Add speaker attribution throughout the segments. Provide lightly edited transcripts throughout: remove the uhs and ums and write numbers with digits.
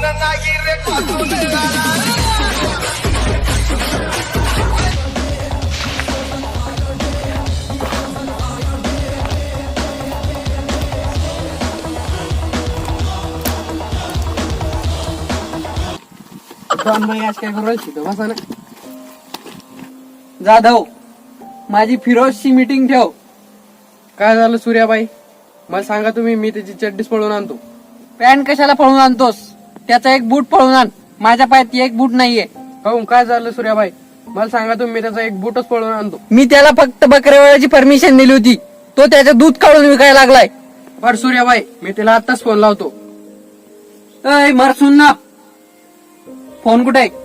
Speaker 1: नाही रे पासून
Speaker 2: आज काय करू राहिली बसा ना. जाधव, माझी फिरोजची मीटिंग ठेव. काय झालं सूर्याबाई, मला सांगा तुम्ही. मी त्याची चड्डीच पळून आणतो. पॅन्ट कशाला पळून आणतोस? त्याचा एक बूट पळून आण. माझ्या पायात एक बूट नाहीये. काहून, काय झालं सूर्याबाई? मला सांगा तुम्ही. मी त्याचा एक बूटच पळून आणतो. मी त्याला फक्त बकऱ्यावळाची परमिशन दिली होती. तो त्याचं दूध काढून विकायला लागलाय. बर सूर्याबाई, मी त्याला आताच फोन लावतो. अय मरसून ना, फोन कुठे आहे?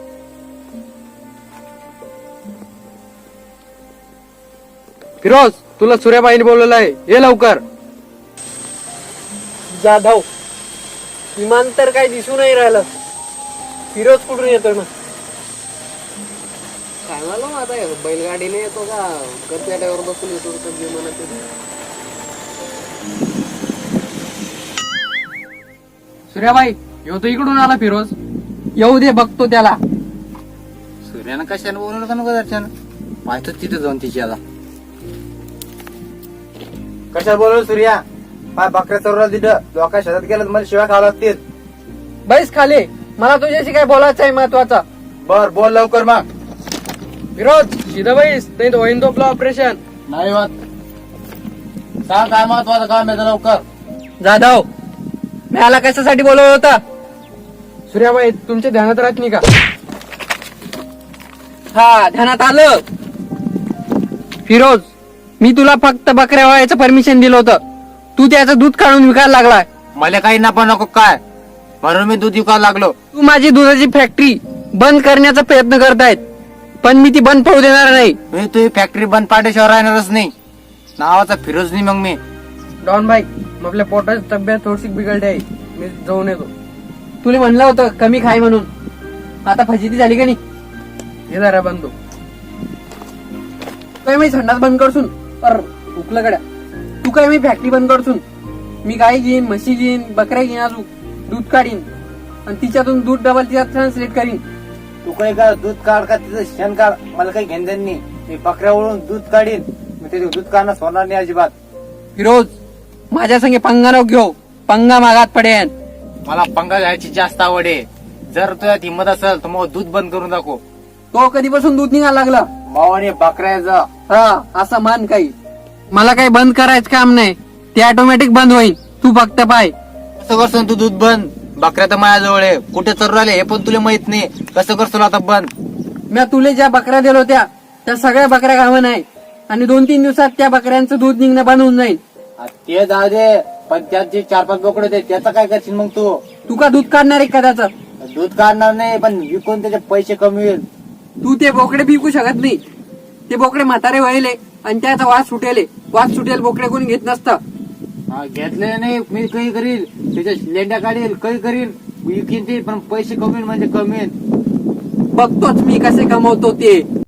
Speaker 2: फिरोज, तुला सूर्याबाईने बोलवलं आहे, ये लवकर. जाधव, विमान तर काही दिसू नाही राहिलं. फिरोज कुठून येतोय मग? काय मला आता बैलगाडीने येतो का कचऱ्यावर बसून येतो विमानात? सूर्याबाई, येऊ तो इकडून आला फिरोज. येऊ दे, बघतो त्याला.
Speaker 3: सूर्यानं कशाने बोलवलं का नको दर्शन? माहित तिथे जाऊन तिची आता. कशाला बोलवलं सूर्या? पाय बकऱ्या चोरला तिथं लोका शेतात गेलं, मला शिवाय खावं लागतील.
Speaker 2: बैस खाली, मला तुझ्याशी काय बोलायचं आहे महत्वाचा.
Speaker 3: बर बोल लवकर मग.
Speaker 2: फिरोज, सीधा बैस, नाही तर होईन तो आपलं ऑपरेशन.
Speaker 3: नाही होत. सांग काय महत्वाचं काम आहे लवकर.
Speaker 2: जाधव, मी आला कशासाठी बोलवलं होता? सूर्याबाई, तुमच्या ध्यानात राहत नाही का? हा, ध्यानात आलं. फिरोज, मी तुला फक्त बकऱ्या वळायचं परमिशन दिलं होतं. तू त्याचं दूध काढून विकायला लागलाय.
Speaker 3: मला काही नफा नको काय, म्हणून मी दूध विकायला लागलो.
Speaker 2: तू माझी दुधाची फॅक्टरी बंद करण्याचा प्रयत्न करतायत, पण मी ती बंद पडू देणार नाही.
Speaker 3: मी तुझी फॅक्टरी बंद पाडल्याशिवाय राहणारच नाही. नावाचा फिरोज नाही मग मी.
Speaker 2: डॉन भाई, आपल्या पोटाची तब्येत थोडीशी बिघडली आहे, मी जाऊन येतो. तुला म्हणलं होतं कमी खाय म्हणून, आता फजिती झाली का नाही? हे जरा बंद. काय मी संडास बंद करसून पर उकलं गड्या. तू काय मी फॅक्टरी बंद करसून मी गाय घेईन, म्हशी घेईन, बकऱ्या घेईन, अजून दूध काढीन आणि तिच्यातून दूध डबल तिच्यात ट्रान्सलेट करीन.
Speaker 3: तू काही का दूध काढ का तिचं शेण काढ, मला काही घेणं देणं नाही. मी बकऱ्या ओळून दूध काढीन, मी त्याचे दूध काढणं सोडणार नाही अजिबात.
Speaker 2: फिरोज, माझ्या संगे पंगा नको घेऊ, पंगा मागात पडेन.
Speaker 3: मला पंगा घ्यायची जास्त आवड आहे. जर तुझ्यात हिंमत असेल तर मग दूध बंद करून दाखव.
Speaker 2: तो कधीपासून दूध निघायला लागला?
Speaker 3: मावाने बकऱ्याचं.
Speaker 2: हा, असं मान काही. मला काही बंद करायचं काम नाही, ते ऑटोमॅटिक बंद होईल. तू फक्त पाय.
Speaker 3: कसं करतो तू दूध बंद? बकऱ्या तर माझ्याजवळ आहे, कुठे चरू राहिले हे पण तुला माहित नाही. कसं करतो आता बंद?
Speaker 2: मी तुला ज्या बकऱ्या दिल्या होत्या त्या सगळ्या बकऱ्या घावन नाही, आणि 2-3 दिवसात त्या बकऱ्यांचं दूध निघणं बंद होऊन जाईल.
Speaker 3: ते जाऊ दे, पण त्यात जे 4-5 बोकडे होते त्याचं काय करशील मग तू?
Speaker 2: तू का दूध काढणार आहे का त्याचं?
Speaker 3: दूध काढणार नाही, पण विकून त्याचे पैसे कमी होईल.
Speaker 2: तू ते बोकडे विकू शकत नाही. ते बोकडे म्हातारे व्हायले आणि त्याचा वास सुटेले. वास सुटेल बोकडे कोणी घेत नसतं.
Speaker 3: घेतले नाही, मी काही करील, त्याच्या लेंड्या काढील, काही करील, विकीन ते, पण पैसे कमी म्हणजे कमी.
Speaker 2: बघतोच मी कसे कमवतो ते.